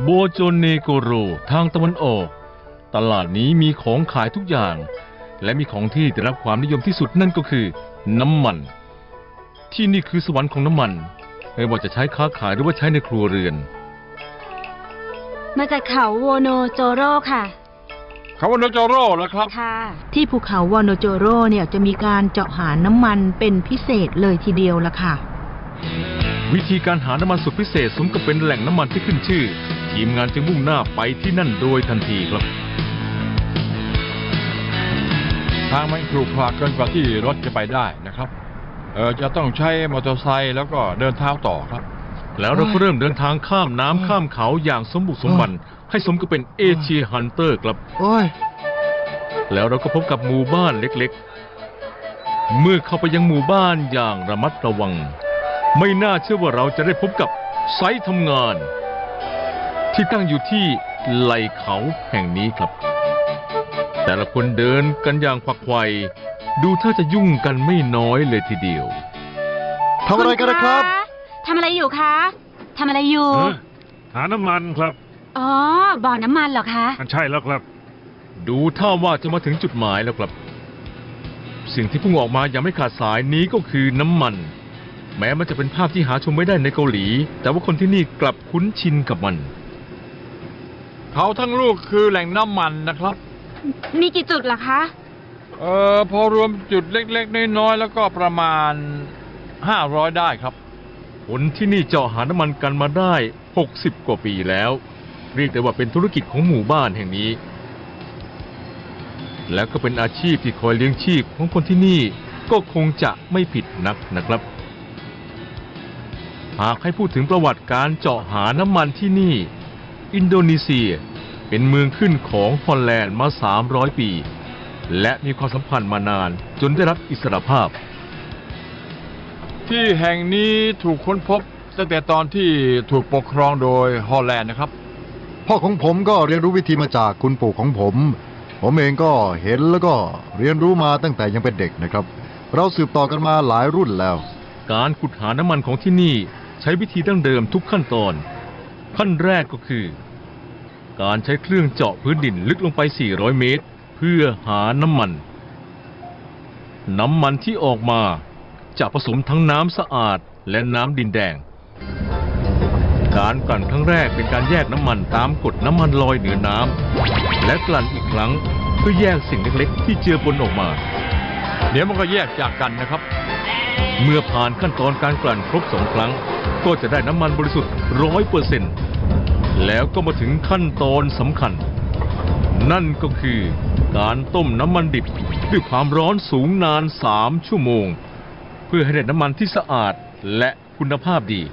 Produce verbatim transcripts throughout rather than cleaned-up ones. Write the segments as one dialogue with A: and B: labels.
A: โบโจเนโกโรทางตะวันออกตลาดนี้มีของขายทุกอย่างและมีของที่ได้รับความนิยมที่สุดนั่นก็คือน้ำมันที่นี่คือสวรรค์ของน้ำมันไม่ว่าจะใช้ค้าขายหรือว่าใช้ในครัวเรือน
B: มาจากเขาโวโนโจโรค่ะ
C: เขาโวโนโจโร่เหรอครับ
B: ค่ะ
D: ที่ภูเขาวโนโจโรเนี่ยจะมีการเจาะหาน้ำมันเป็นพิเศษเลยทีเดียวละค่ะ
A: วิธีการหาน้ำมันสุดพิเศษสมกับเป็นแหล่งน้ำมันที่ขึ้นชื่อทีมงานจึงมุ่งหน้าไปที่นั่นโดยทันทีครับ
C: ทางมันขรุขระเกินกว่าที่รถจะไปได้นะครับเออจะต้องใช้มอเตอร์ไซค์แล้วก็เดินเท้าต่อครับ
A: แล้วเราก็เริ่มเดินทางข้ามน้ำข้ามเขาอย่างสมบุกสมบันให้สมกับเป็นเอเชียฮันเตอร์ครับแล้วเราก็พบกับหมู่บ้านเล็กๆเมื่อเข้าไปยังหมู่บ้านอย่างระมัดระวังไม่น่าเชื่อว่าเราจะได้พบกับไซต์ทำงานที่ตั้งอยู่ที่ไหล่เขาแห่งนี้ครับแต่ละคนเดินกันอย่างขวักไขว่ดูถ้าจะยุ่งกันไม่น้อยเลยทีเดียว
E: ทำอะไรกันนะครับ
B: ทำอะไรอยู่คะทำอะไรอยู่
F: หาน้ำมันครับ
B: อ๋อบ่อน้ำมันเหรอคะ
F: ใช่แล้วครับ
A: ดูท่าว่าจะมาถึงจุดหมายแล้วครับสิ่งที่พุ่งออกมาอย่างไม่ขาดสายนี้ก็คือน้ำมันแม้มันจะเป็นภาพที่หาชมไม่ได้ในเกาหลีแต่ว่าคนที่นี่กลับคุ้นชินกับมัน
C: เขาทั้งลูกคือแหล่งน้ำมันนะครับ
B: มีกี่จุดล่ะคะ
C: เอ่อพอรวมจุดเล็กๆน้อยๆแล้วก็ประมาณห้าร้อยได้ครับ
A: คนที่นี่เจาะหาน้ำมันกันมาได้หกสิบกว่าปีแล้วเรียกได้ว่าเป็นธุรกิจของหมู่บ้านแห่งนี้และก็เป็นอาชีพที่คอยเลี้ยงชีพของคนที่นี่ก็คงจะไม่ผิดนักนะครับหากให้พูดถึงประวัติการเจาะหาน้ำมันที่นี่อินโดนีเซียเป็นเมืองขึ้นของฮอลแลนด์มาสามร้อยปีและมีความสัมพันธ์มานานจนได้รับอิสรภาพ
C: ที่แห่งนี้ถูกค้นพบตั้งแต่ตอนที่ถูกปกครองโดยฮอลแลนด์นะครับ
E: พ่อของผมก็เรียนรู้วิธีมาจากคุณปู่ของผมผมเองก็เห็นแล้วก็เรียนรู้มาตั้งแต่ยังเป็นเด็กนะครับเราสืบต่อกันมาหลายรุ่นแล้ว
A: การขุดหาน้ำมันของที่นี่ใช้วิธีดั้งเดิมทุกขั้นตอนขั้นแรกก็คือการใช้เครื่องเจาะพื้นดินลึกลงไปสี่ร้อยเมตรเพื่อหาน้ำมันน้ำมันที่ออกมาจะผสมทั้งน้ำสะอาดและน้ำดินแดงการกลั่นครั้งแรกเป็นการแยกน้ำมันตามกฎน้ำมันลอยเหนือน้ำและกลั่นอีกครั้งเพื่อแยกสิ่งเล็กๆที่เจือปนออกมา
C: เดี๋ยวมันก็แยกจากกันนะครับ
A: เมื่อผ่านขั้นตอนการกลั่นครบสองครั้งก็จะได้น้ำมันบริสุทธิ์ร้อยเปอร์เซ็นต์แล้วก็มาถึงขั้นตอนสำคัญนั่นก็คือการต้มน้ำมันดิบด้วยความร้อนสูงนานสามชั่วโมงเพื่อให้ได้น้ำมันที่สะอาดและคุณภาพดี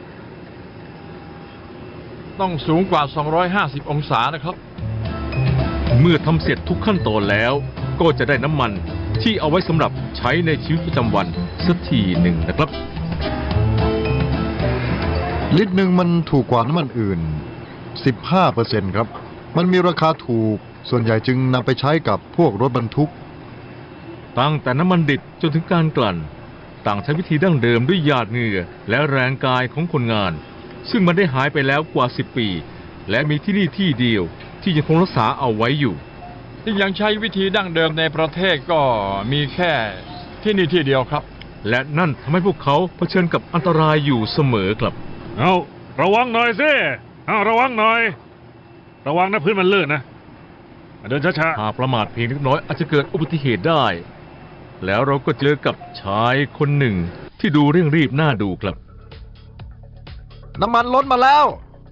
C: ต้องสูงกว่าสองร้อยห้าสิบองศานะครับ
A: เมื่อทำเสร็จทุกขั้นตอนแล้วก็จะได้น้ำมันที่เอาไว้สำหรับใช้ในชีวิตประจำวันสักทีหนึ่งนะครับ
E: ลิตรหนึ่งมันถูกกว่าน้ำมันอื่น สิบห้าเปอร์เซ็นต์ ครับมันมีราคาถูกส่วนใหญ่จึงนำไปใช้กับพวกรถบรรทุก
A: ตั้งแต่น้ำมันดิบจนถึงการกลั่นต่างใช้วิธีดั้งเดิมด้วยหยาดเหงื่อและแรงกายของคนงานซึ่งมันได้หายไปแล้วกว่าสิบปีและมีที่นี่ที่เดียวที่ยังคงรักษาเอาไว้อยู่
C: ที่ยังใช้วิธีดั้งเดิมในประเทศก็มีแค่ที่นี่ที่เดียวครับ
A: และนั่นทำให้พวกเขาเผชิญกับอันตรายอยู่เสมอครับ
F: เอาระวังหน่อยสิเอาระวังหน่อยระวังนะพื้นมันลื่นนะเดินช้า
A: ๆหากประมาทเพียงเล็กน้อยอาจจะเกิดอุบัติเหตุได้แล้วเราก็เจอกับชายคนหนึ่งที่ดูเร่งรีบน่าดูครับ
E: น้ำมันล้นมาแล้ว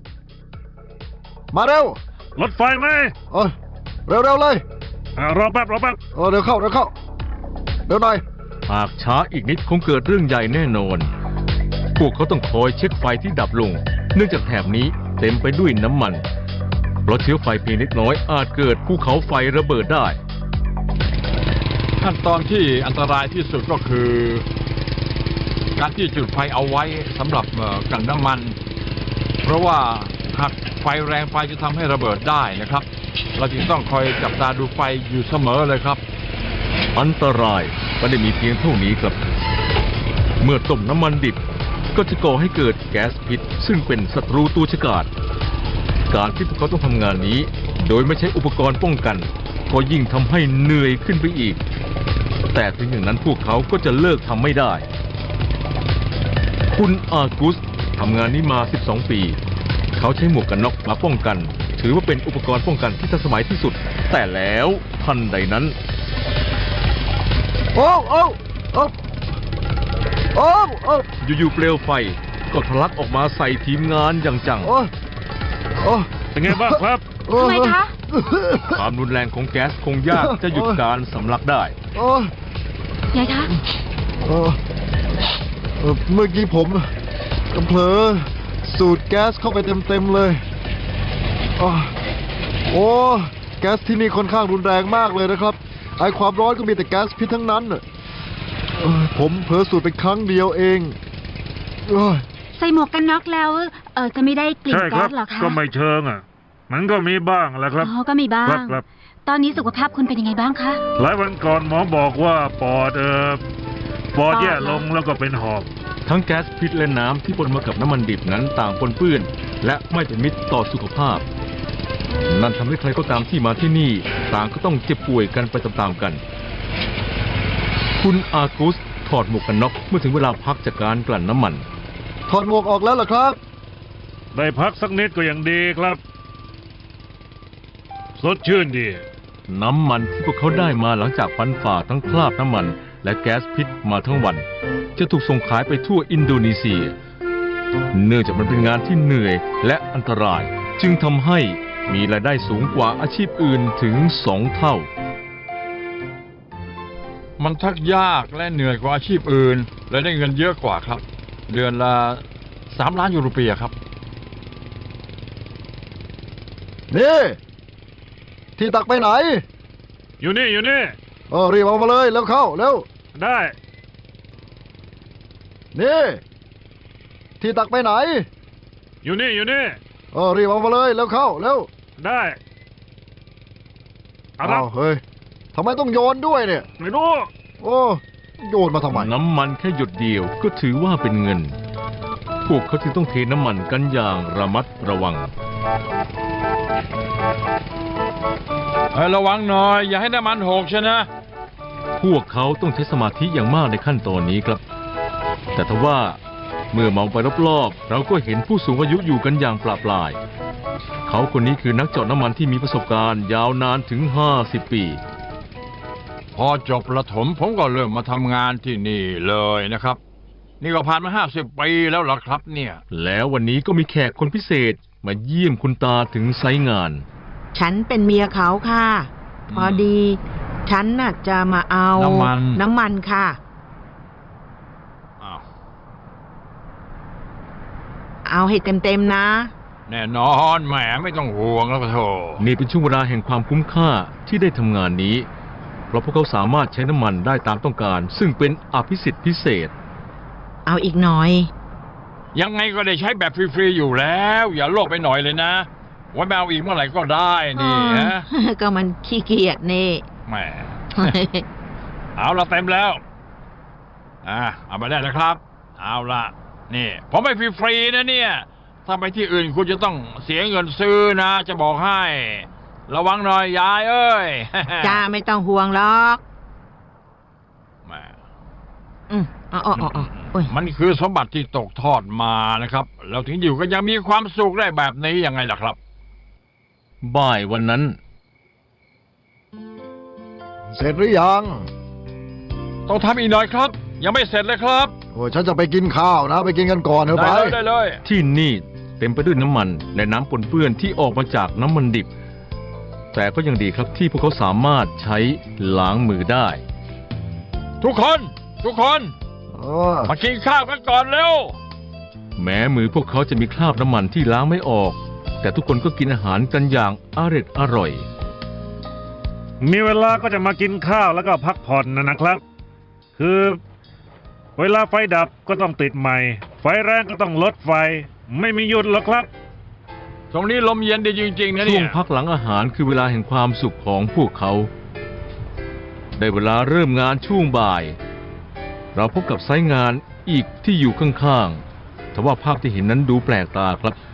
E: มาเร็ว
F: รถไฟไหม
E: เออเร็วๆเลย
F: รอแป๊บรอแป๊บ
E: เออเร็วเข้าเร็วเข้าเร็วหน่อย
A: หากช้าอีกนิดคงเกิดเรื่องใหญ่แน่นอนพวกเขาต้องคอยเช็คไฟที่ดับลงเนื่องจากแถบนี้เต็มไปด้วยน้ำมันเพราะเชื้อไฟเพียงเล็กน้อยอาจเกิดภูเขาไฟระเบิดได้
C: ขั้นตอนที่อันตรายที่สุดก็คือการที่จุดไฟเอาไว้สำหรับกลั่นน้ำมันเพราะว่าหากไฟแรงไฟจะทำให้ระเบิดได้นะครับเราจึงต้องคอยจับตาดูไฟอยู่เสมอเลยครับ
A: อันตรายไม่ได้มีเพียงเท่านี้ครับเมื่อต้มน้ำมันดิบก็จะก่อให้เกิดแก๊สพิษซึ่งเป็นศัตรูตัวฉกาจการที่พวกเขาต้องทำงานนี้ โดยไม่ใช้อุปกรณ์ป้องกัน ก็ยิ่งทำให้เหนื่อยขึ้นไปอีก แต่ถึงอย่างนั้นพวกเขาก็จะเลิกทำไม่ได้ คุณอากุสทำงานนี้มา สิบสอง ปี เขาใช้หมวกกันน็อกมาป้องกัน ถือว่าเป็นอุปกรณ์ป้องกันที่ทันสมัยที่สุด แต่แล้วทันใดนั้น
E: โอ้โอ้โอ้โอ้โอ้
A: อยู่ๆเปลวไฟก็ทะลักออกมาใส่ทีมงานอย่างจัง
E: โอ้โอ้
F: เป็นไงบ้างครับ
E: โอ้
B: ทำไมคะ
A: ความรุนแรงของแก๊สคงยากจะหยุดการสำลักได้
E: โอ้
B: ไงคะ
E: เออเอ่อเมื่อกี้ผมเผลอสูดแก๊สเข้าไปเต็มๆเลยอ้อโอ้แก๊สที่นี่ค่อนข้างรุนแรงมากเลยนะครับไอความร้อนก็มีแต่แก๊สพิษทั้งนั้นน่ะเอ่อผมเผลอสูดไปครั้งเดียวเองเอ้ย
B: ใส่หมวกกันน็อกแล้วเออจะไม่ได้กลิ่น
F: ใช่ค
B: แก๊
F: รับ
B: สเหรอคะ
F: ก็ไม่เชิงอ่ะ มันก็มีบ้างแหละครับ
B: อ๋อก็มีบ้า
F: ครั
B: ง
F: บครับ
B: ตอนนี้สุขภาพคุณเป็นยังไงบ้างคะ
F: หลายวันก่อนหมอบอกว่าปอดเออปอด
B: ปอด
F: แย่
B: เหรอ
F: ลงแล้วก็เป็นหอบ
A: ทั้งแก๊สพิษและน้ำที่ปนมากับน้ำมันดิบนั้นต่างปนเปื้อน และไม่เป็นมิตรต่อสุขภาพ นั่นทำให้ใครก็ตามที่มาที่นี่ ต่างก็ต้องเจ็บป่วยกันไปตามๆกัน คุณอากุสถอดหมวกกันน็อกเมื่อถึงเวลาพักจากการกลั่นน้ำมัน
E: ถอดหมวกออกแล้วเหรอครับ
F: ได้พักสักนิดก็ยังดีครับ สดชื่นดี
A: น้ำมันที่พวกเขาได้มาหลังจากฟันฝ่าทั้งคราบน้ำมัน และแก๊สพิษมาทั้งวัน จะถูกส่งขายไปทั่วอินโดนีเซีย เนื่องจากมันเป็นงานที่เหนื่อยและอันตราย จึงทำให้มีรายได้สูงกว่าอาชีพอื่นถึงสองเท่า
C: มันทักยากและเหนื่อยกว่าอาชีพอื่น และได้เงินเยอะกว่าครับ เดือนละสามล้านยูโรเปียครับ
E: นี่ ที่ตักไปไหน
F: อยู่นี่อยู่นี่
E: เออรีบเอามาเลยแล้วเข้าเร็ว
F: ได้
E: นี่ ที่ตักไปไหน
F: อยู่นี่อยู่นี่
E: เออรีบเอามาเลยแล้วเข้าเร็ว
F: ได้เอาละ
E: อ้าวเฮ้ยทำไมต้องโยนด้วยเนี่ย
F: ไม่รู้
E: โอ้โยนมาทำไม
A: น้ำมันแค่หยดเดียวก็ถือว่าเป็นเงิน พวกเขาจึงต้องเทน้ำมันกันอย่างระมัดระวัง
C: เอ้ยระวังหน่อย อย่าให้น้ำมันหกใช่นะ
A: พวกเขาต้องใช้สมาธิอย่างมากในขั้นตอนนี้ครับ แต่ทว่าเมื่อมองไปรอบๆเราก็เห็นผู้สูงอายุอยู่กันอย่างปลาปลาย เขาคนนี้คือนักเจาะน้ำมันที่มีประสบการณ์ยาวนานถึงห้าสิบปี
C: พอจบประถมผมก็เริ่มมาทำงานที่นี่เลยนะครับ นี่ก็ผ่านมาห้าสิบปีแล้วเหรอครับเนี่ย
A: แล้ววันนี้ก็มีแขกคนพิเศษมาเยี่ยมคุณตาถึงไซต์งาน
D: ฉันเป็นเมียเขาค่ะ พอดี ฉันน่ะจะมาเอา
C: น้ำมัน
D: น้ำมันค่ะ
C: อ้าว
D: เอาให้เต็มๆนะ
C: แน่นอนแหมไม่ต้องห่วงแล้วก็โถ
A: นี่เป็นช่วงเวลาแห่งความคุ้มค่าที่ได้ทำงานนี้ เพราะพวกเขาสามารถใช้น้ำมันได้ตามต้องการ ซึ่งเป็นอภิสิทธิ์พิเศษ
D: เอาอีกหน่อย
C: ยังไงก็ได้ใช้แบบฟรีๆอยู่แล้ว อย่าโลภไปหน่อยเลยนะไว้มาเอาอีกเมื่อไหร่ก็ได้นี่ฮะ
D: ก็มันขี้เกียจนี่
C: แหม เอาละเต็มแล้ว อ่าเอาไปได้แล้วครับ เอาละนี่ ผมไม่ฟรีๆนะเนี่ย ถ้าไปที่อื่นคุณจะต้องเสียเงินซื้อนะ จะบอกให้ ระวังหน่อยยายเอ้ย
D: จ้าไม่ต้องห่วงหรอก
C: แหม
D: อืมเอ๋ออ๋ออ๋อโอ้ย
C: มันคือสมบัติที่ตกทอดมานะครับ เราถึงอยู่ก็ยังมีความสุขได้แบบนี้ยังไงล่ะครับ
A: บ่ายวันนั้น
E: เสร็จหรือยัง
C: ต้องทำอีกหน่อยครับ ยังไม่เสร็จเลยครับ
E: โอ้ยฉันจะไปกินข้าวนะ ไปกินกันก่อนเถอะไป
C: ได้เลยได้เลย
A: ที่นี่เต็มไปด้วยน้ำมันและน้ำปนเปื้อนที่ออกมาจากน้ำมันดิบ แต่ก็ยังดีครับที่พวกเขาสามารถใช้ล้างมือได้
C: ทุกคน ทุกคน
E: เออ
C: มากินข้าวกันก่อนเร็ว
A: แม้มือพวกเขาจะมีคราบน้ำมันที่ล้างไม่ออก แต่ทุกคนก็กินอาหารกันอย่างอร่อยอร่อย
F: มีเวลาก็จะมากินข้าวแล้วก็พักผ่อนนะนะครับ คือ เวลาไฟดับก็ต้องติดใหม่ ไฟแรงก็ต้องลดไฟ ไม่มีหยุดหรอกครับ
C: ตรงนี้ลมเย็นดีจริงๆนะ
A: ช่
C: เนี่
A: วย งพักหลังอาหารคือเวลาแห่งความสุขของพวกเขา ได้เวลาเริ่มงานช่วงบ่าย เราพบกับไซต์งานอีกที่อยู่ข้างๆแต่ว่าภาพที่เห็นนั้นดูแปลกตาครับ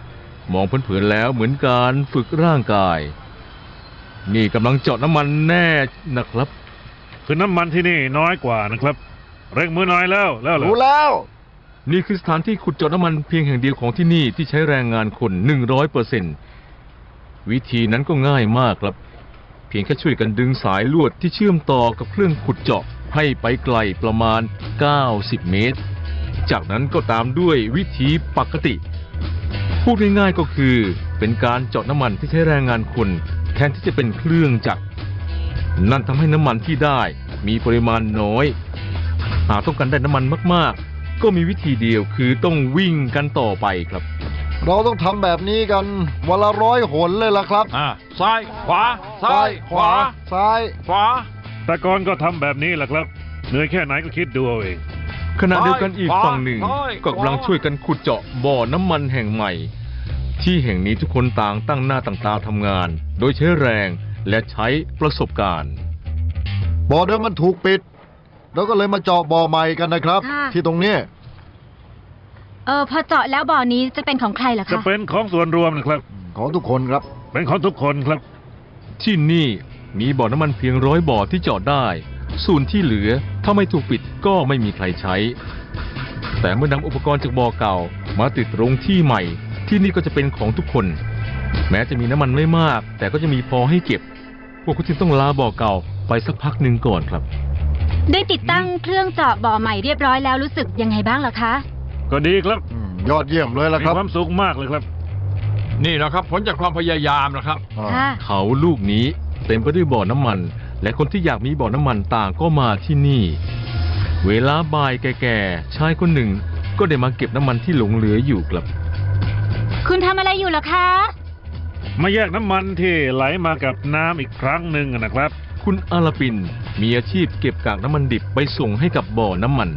A: มองเผินๆแล้วเหมือนการฝึกร่างกาย นี่กำลังเจาะน้ำมันแน่นะครับ
F: คือน้ำมันที่นี่น้อยกว่านะครับ เร่งมือหน่อยแล้วแล้วเหรอ
E: รู้แล้ว
A: นี่คือสถานที่ขุดเจาะน้ำมันเพียงแห่งเดียวของที่นี่ที่ใช้แรงงานคน หนึ่งร้อยเปอร์เซ็นต์ วิธีนั้นก็ง่ายมากครับ เพียงแค่ช่วยกันดึงสายลวดที่เชื่อมต่อกับเครื่องขุดเจาะให้ไปไกลประมาณ เก้าสิบ เมตร จากนั้นก็ตามด้วยวิธีปกติ พูดง่ายๆก็คือเป็นการเจาะน้ำมันที่ใช้แรงงานคนแทนที่จะเป็นเครื่องจักร นั่นทำให้น้ำมันที่ได้มีปริมาณน้อย หากต้องการได้น้ำมันมากๆ ก็มีวิธีเดียวคือต้องวิ่งกันต่อไปครับ
E: เราต้องทำแบบนี้กันวันละร้อยหนเลยล่ะครับ
C: อ่าซ้ายขวาซ้ายขวา
E: ซ้าย
C: ขวา
F: แต่ก่อนก็ทำแบบนี้แหละครับ เหนื่อยแค่ไหนก็คิดดูเอาเอง
A: ขณะเดียวกันอีก
C: ขวา
A: ฝั่งหนึ่ง
C: ซ้าย
A: ก็กำลัง
C: ขวา
A: ช่วยกันขุดเจาะบ่อน้ำมันแห่งใหม่ ที่แห่งนี้ทุกคนต่างตั้งหน้าต่างตาทำงาน โดยใช้แรงและใช้ประสบการณ์
E: บ่อเดิมมันถูกปิดเราก็เลยมาเจาะบ่อใหม่กันนะครับ
B: ค่ะ
E: ที่ตรงนี้
B: เออพอเจาะแล้วบ่อนี้จะเป็นของใครเหรอ
F: จะ
B: คะ
F: เป็นของส่วนรวมนะครับ
E: ของทุกคนครับ
F: เป็นของทุกคนครับ
A: ที่นี่มีบ่อน้ำมันเพียงร้อยบ่อที่เจาะได้ ส่วนที่เหลือถ้าไม่ถูกปิดก็ไม่มีใครใช้ แต่เมื่อนำอุปกรณ์จากบ่อเก่ามาติดตรงที่ใหม่ ที่นี่ก็จะเป็นของทุกคน แม้จะมีน้ำมันไม่มาก แต่ก็จะมีพอให้เก็บ พวกคุณจึงต้องลาบ่อเก่าไปสักพักหนึ่งก่อนครับ
B: ได้ติดตั้งเครื่องเจาะบ่อใหม่เรียบร้อยแล้วรู้สึกยังไงบ้างเหรอคะ
F: ก็ดีครับ
E: อืมยอดเยี่ยมเลยล่ะ
F: มี
E: ครับ
F: ความสุขมากเลยครับ
C: นี่นะครับผลจากความพยายามนะครับ
E: อ่า
B: ค่ะ
A: เขาลูกนี้เต็มไปด้วยบ่อน้ำมัน และคนที่อยากมีบ่อน้ำมันต่างก็มาที่นี่ เวลาบ่ายแก่ๆชายคนหนึ่งก็ได้มาเก็บน้ำมันที่หลงเหลืออยู่ครับ
B: คุณทำอะไรอยู่เหรอคะ
F: มาแยกน้ำมันที่ไหลมากับน้ำอีกครั้งหนึ่งนะครับ
A: คุณอาลาปินมีอาชีพเก็บกากน้ำมันดิบไปส่งให้กับบ่อน้ำมัน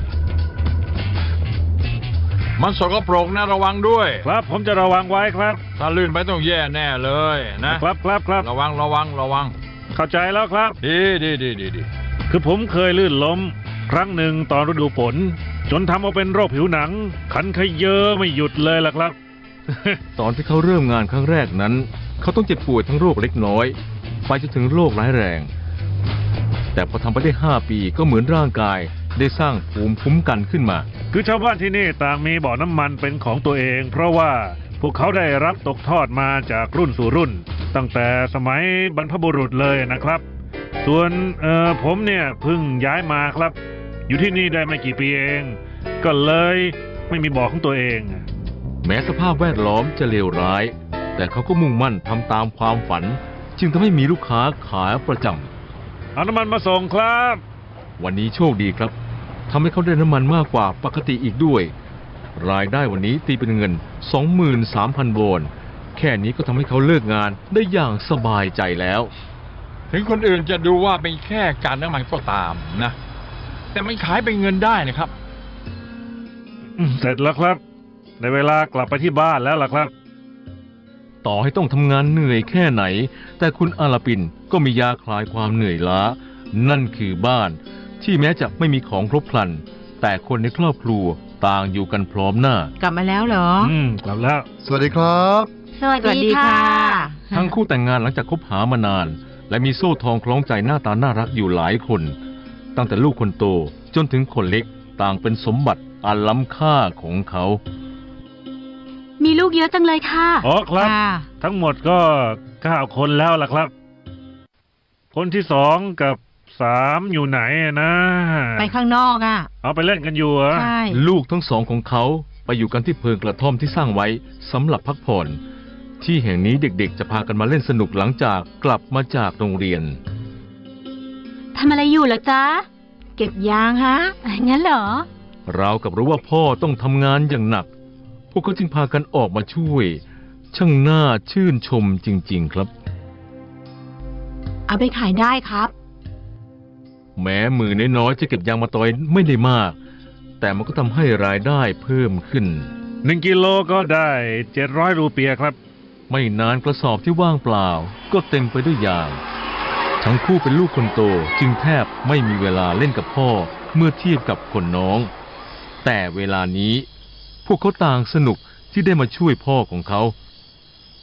C: มันสกปรกนะระวังด้วย
F: ครับผมจะระวังไว้ครับ
C: ถ้าลื่นไปต้องแย่แน่เลยนะครับ
F: ครับครับ
C: ระวังระวังระวัง
F: เข้าใจแล้วครับ
C: ดีดีดีดีดี
F: คือผมเคยลื่นล้ม ครั้งหนึ่งตอนฤดูฝนจนทำเอาเป็นโรคผิวหนัง ขันขยเยอะไม่หยุดเลยล่ะครับ
A: ตอนที่เขาเริ่มงานครั้งแรกนั้น เขาต้องเจ็บป่วยทั้งโรคเล็กน้อย ไปจนถึงโรคร้ายแรง แต่พอทำไปได้ห้าปีก็เหมือนร่างกายได้สร้างภูมิคุ้มกันขึ้นมา
F: คือชาวบ้านที่นี่ต่างมีบ่อน้ำมันเป็นของตัวเอง เพราะว่าพวกเขาได้รับตกทอดมาจากรุ่นสู่รุ่น ตั้งแต่สมัยบรรพบุรุษเลยนะครับ ส่วนเอ่อผมเนี่ยเพิ่งย้ายมาครับ อยู่ที่นี่ได้ไม่กี่ปีเอง ก็เลยไม่มีบ่อของตัวเอง
A: แม้สภาพแวดล้อมจะเลวร้าย แต่เขาก็มุ่งมั่นทำตามความฝัน จึงทำให้มีลูกค้าขาประจำ
F: เอาน้ำมันมาส่งครับ
A: วันนี้โชคดีครับทำให้เขาได้น้ำมันมากกว่าปกติอีกด้วย รายได้วันนี้ตีเป็นเงิน สองหมื่นสามพัน วอนแค่นี้ก็ทำให้เขาเลิกงานได้อย่างสบายใจแล้ว
C: ถึงคนอื่นจะดูว่าเป็นแค่การน้ำมันก็ตามนะ แต่มันขายเป็นเงินได้นะครับ
F: อืมเสร็จแล้วครับในเวลากลับไปที่บ้านแล้วล่ะครับ
A: ต่อให้ต้องทำงานเหนื่อยแค่ไหน แต่คุณอาลาปินก็มียาคลายความเหนื่อยล้า นั่นคือบ้าน ที่แม้จะไม่มีของครบครัน แต่คนในครอบครัวต่างอยู่กันพร้อมหน้า
D: กลับมาแล้วเหรอ
F: อืมกลับแล้ว
E: สวัสดีครับ
B: สวัส
D: สวัส
B: ดี
D: ดี
B: ค่ะ
D: ค่ะ
A: ทั้งคู่แต่งงานหลังจากคบหามานาน และมีโซ่ทองคล้องใจหน้าตาน่ารักอยู่หลายคน ตั้งแต่ลูกคนโตจนถึงคนเล็กต่างเป็นสมบัติอันล้ำค่าของเขา
B: มีลูกเยอะจังเลยค่ะ
F: อ๋อครับ
D: ค่ะ
F: ทั้งหมดก็เก้าคนแล้วล่ะครับ คนที่สองกับสามอยู่ไหนนะ
D: ไปข้างนอกอ่ะ
F: เอาไปเล่นกันอยู่เหรอ
D: ใช่
A: ลูกทั้งสองของเขาไปอยู่กันที่เพิงกระท่อมที่สร้างไว้สำหรับพักผ่อน ที่แห่งนี้เด็กๆ จะพากันมาเล่นสนุกหลังจากกลับมาจากโรงเรียน
B: ทำอะไรอยู่เหรอจ๊ะ
D: เก็บยางฮะ
B: งั้นเหรอ
A: เรากับรู้ว่าพ่อต้องทำงานอย่างหนัก พวกเขาจึงพากันออกมาช่วย ช่างน่าชื่นชมจริงๆครับ
D: เอาไปขายได้ครับ
A: แม้มือน้อยๆจะเก็บยางมาตอยไม่ได้มาก แต่มันก็ทำให้รายได้เพิ่มขึ้น
F: หนึ่งกิโลก็ได้เจ็ดร้อยรูเปียครับ
A: ไม่นานกระสอบที่ว่างเปล่าก็เต็มไปด้วยยาง ทั้งคู่เป็นลูกคนโตจึงแทบไม่มีเวลาเล่นกับพ่อเมื่อเทียบกับคนน้อง แต่เวลานี้ พวกเขาต่างสนุกที่ได้มาช่วยพ่อของเขา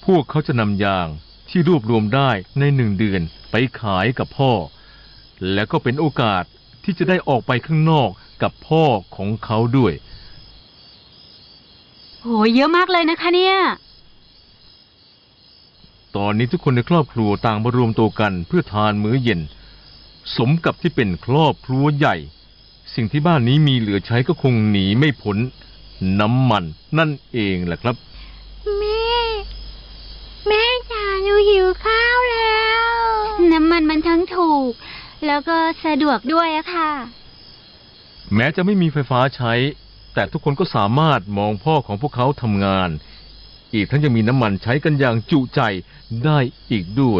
A: พวกเขาจะนำยางที่รวบรวมได้ในหนึ่งเดือนไปขายกับพ่อ และก็เป็นโอกาสที่จะได้ออกไปข้างนอกกับพ่อของเขาด้วย
B: โหเยอะมากเลยนะคะเนี่ย
A: ตอนนี้ทุกคนในครอบครัวต่างมารวมตัวกันเพื่อทานมื้อเย็น สมกับที่เป็นครอบครัวใหญ่ สิ่งที่บ้านนี้มีเหลือใช้ก็คงหนีไม่พ้นน้ำมันนั่นเองแหละครับ
B: แม่ แม่จ๋าหนูหิวข้าวแล้ว น้ำมันมันทั้งถูก แล้วก็สะดวกด้วยอะค่ะ
A: แม้จะไม่มีไฟฟ้าใช้ แต่ทุกคนก็สามารถมองพ่อของพวกเขาทำงาน อีกทั้งยังมีน้ำมันใช้กันอย่างจุใจได้อีกด้วย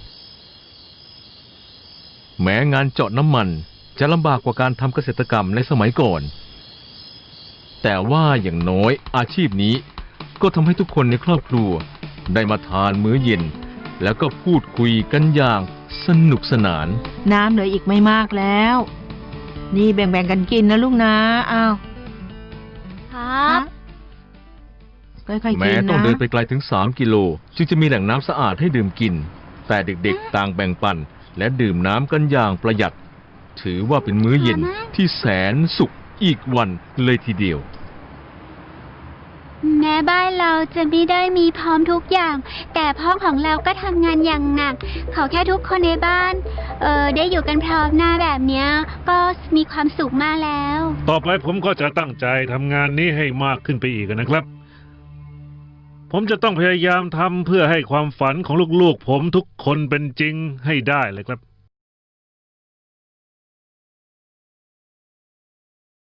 A: แม้งานเจาะน้ำมันจะลำบากกว่าการทำเกษตรกรรมในสมัยก่อน แต่ว่าอย่างน้อยอาชีพนี้ก็ทำให้ทุกคนในครอบครัวได้มาทานมื้อเย็น แล้วก็พูดคุยกันอย่างสนุกสนาน
D: น้ำเหลืออีกไม่มากแล้ว นี่แบ่งๆกันกินนะลูกนะอ้าว
B: ครับ
D: ค่อยๆกินนะ
A: แม้ต้องเดินไปไกลถึงสามกิโลจึงจะมีแหล่งน้ำสะอาดให้ดื่มกิน แต่เด็กๆต่างแบ่งปันและดื่มน้ำกันอย่างประหยัด ถือว่าเป็นมื้อเย็นที่แสนสุขอีกวันเลยทีเดียว
B: แม้บ้านเราจะไม่ได้มีพร้อมทุกอย่าง แต่พ่อของเราก็ทำงานอย่างหนัก ขอแค่ทุกคนในบ้าน เออได้อยู่กันพร้อมหน้าแบบเนี้ย ก็มีความสุขมากแล้ว
F: ต่อไปผมก็จะตั้งใจทำงานนี้ให้มากขึ้นไปอีกนะครับ ผมจะต้องพยายามทำเพื่อให้ความฝันของลูกๆผมทุกคนเป็นจริงให้ได้เลยครับ